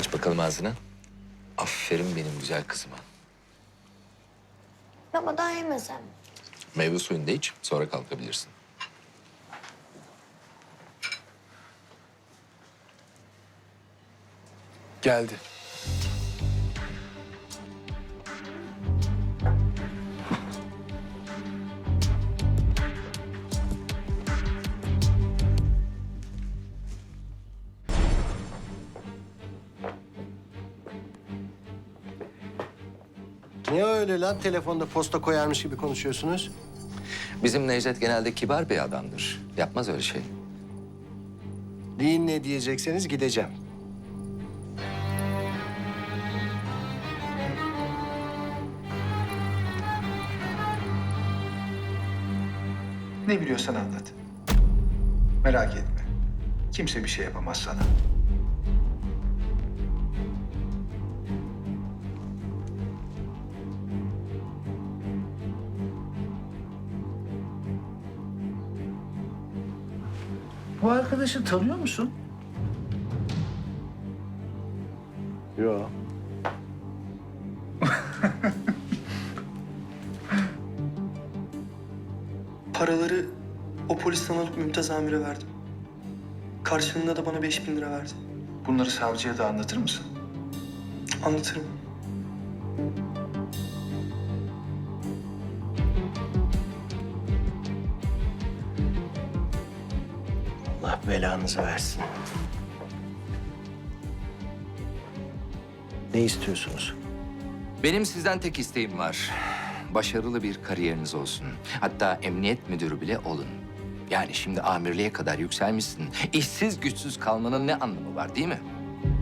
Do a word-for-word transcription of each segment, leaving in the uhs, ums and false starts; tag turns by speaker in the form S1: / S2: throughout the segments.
S1: Aç bakalım ağzını. Aferin benim güzel kızıma.
S2: Baba daha yemesem.
S1: Meyve suyunu da iç, sonra kalkabilirsin.
S3: Geldi.
S4: Niye öyle lan? Telefonda posta koyarmış gibi konuşuyorsunuz.
S1: Bizim Necdet genelde kibar bir adamdır. Yapmaz öyle şey.
S4: Deyin ne diyecekseniz gideceğim.
S5: Ne biliyorsan anlat. Merak etme. Kimse bir şey yapamaz sana. Bu arkadaşı tanıyor musun?
S4: Yok.
S6: Paraları o polisten alıp Mümtaz Amir'e verdim. Karşılığında da bana beş bin lira verdi.
S5: Bunları savcıya da anlatır mısın?
S6: Anlatırım.
S4: Allah belanızı versin. Ne istiyorsunuz?
S1: Benim sizden tek isteğim var. Başarılı bir kariyeriniz olsun. Hatta emniyet müdürü bile olun. Yani şimdi amirliğe kadar yükselmişsin. İşsiz güçsüz kalmanın ne anlamı var değil mi?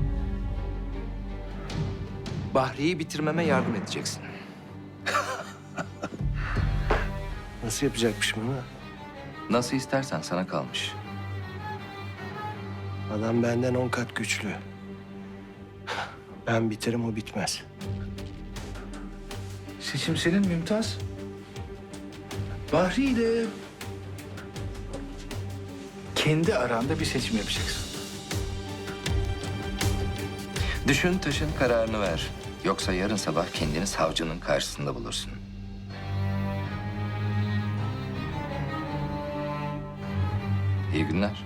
S1: Bahri'yi bitirmeme yardım edeceksin.
S4: Nasıl yapacakmışım bunu?
S1: Nasıl istersen sana kalmış.
S4: Adam benden on kat güçlü. Ben biterim, o bitmez.
S5: Seçim senin Mümtaz. Bahri ile kendi aranda bir seçim yapacaksın.
S1: Düşün taşın kararını ver. Yoksa yarın sabah kendini savcının karşısında bulursun. İyi günler.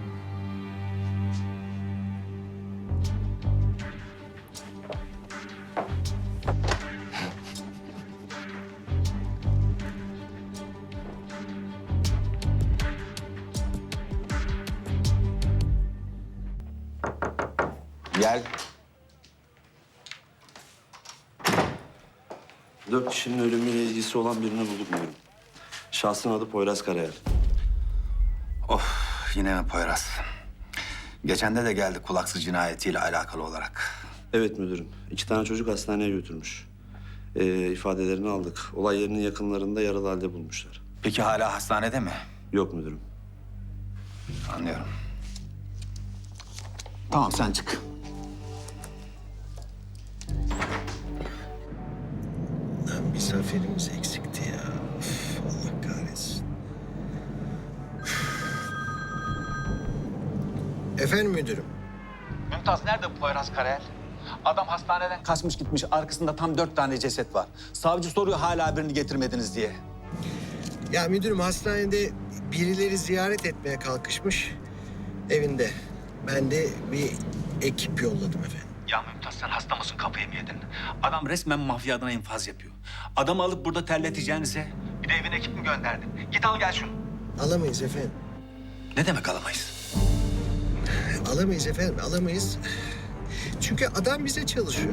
S1: Gel.
S7: Dört kişinin ölümüyle ilgisi olan birini bulduk müdürüm. Şahsın adı Poyraz Karayel.
S8: Of, yine mi Poyraz? Geçen de de geldi kulaksız cinayetiyle alakalı olarak.
S7: Evet müdürüm. İki tane çocuk hastaneye götürmüş. Ee, ifadelerini aldık. Olay yerinin yakınlarında yaralı halde bulmuşlar.
S8: Peki hala hastanede mi?
S7: Yok müdürüm.
S8: Anlıyorum. Tamam, sen çık.
S4: Lan bir zaferimiz eksikti ya. Üf, Allah kahretsin. Efendim müdürüm.
S9: Mümtaz nerede bu Poyraz Karayel? Adam hastaneden kaçmış gitmiş. Arkasında tam dört tane ceset var. Savcı soruyor hala birini getirmediniz diye.
S4: Ya müdürüm, hastanede birileri ziyaret etmeye kalkışmış evinde. Ben de bir ekip yolladım efendim.
S9: Ya Mümtaz sen hasta mısın, kafayı mı yedin? Adam resmen mafya adına infaz yapıyor. Adamı alıp burada terleteceğinize bir de evine ekip mi gönderdin? Git al gel şunu.
S4: Alamayız efendim.
S9: Ne demek alamayız?
S4: Alamayız efendim, alamayız. Çünkü adam bize çalışıyor.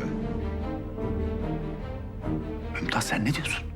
S9: Mümtaz sen ne diyorsun?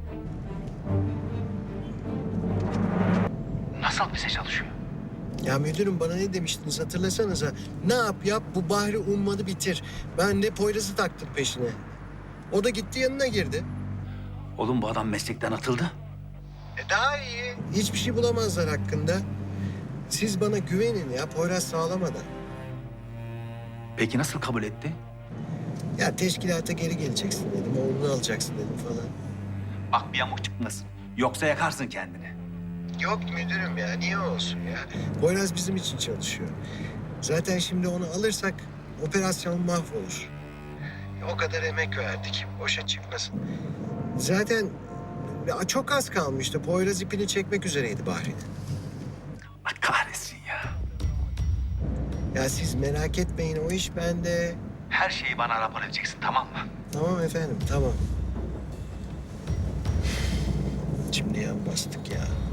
S9: Nasıl bize çalışıyor?
S4: Ya müdürüm, bana ne demiştiniz hatırlasanıza. Ne yap yap bu Bahri ummadı bitir. Ben de Poyraz'ı taktım peşine. O da gitti yanına girdi.
S9: Oğlum bu adam meslekten atıldı.
S4: E daha iyi. Hiçbir şey bulamazlar hakkında. Siz bana güvenin ya, Poyraz sağlamadan.
S9: Peki nasıl kabul etti?
S4: Ya teşkilata geri geleceksin dedim, oğlunu alacaksın dedim falan.
S9: Bak bir yamuk çıkmasın. Yoksa yakarsın kendini.
S4: Yok müdürüm ya, niye olsun ya? Poyraz bizim için çalışıyor. Zaten şimdi onu alırsak operasyon mahvolur. O kadar emek verdik. Boşa çıkmasın. Zaten ya çok az kalmıştı. Poyraz ipini çekmek üzereydi Bahri'nin.
S9: Allah kahretsin ya.
S4: Ya siz merak etmeyin, o iş bende.
S9: Her şeyi bana rapor edeceksin, tamam mı?
S4: Tamam efendim, tamam. Şimdi yan bastık ya.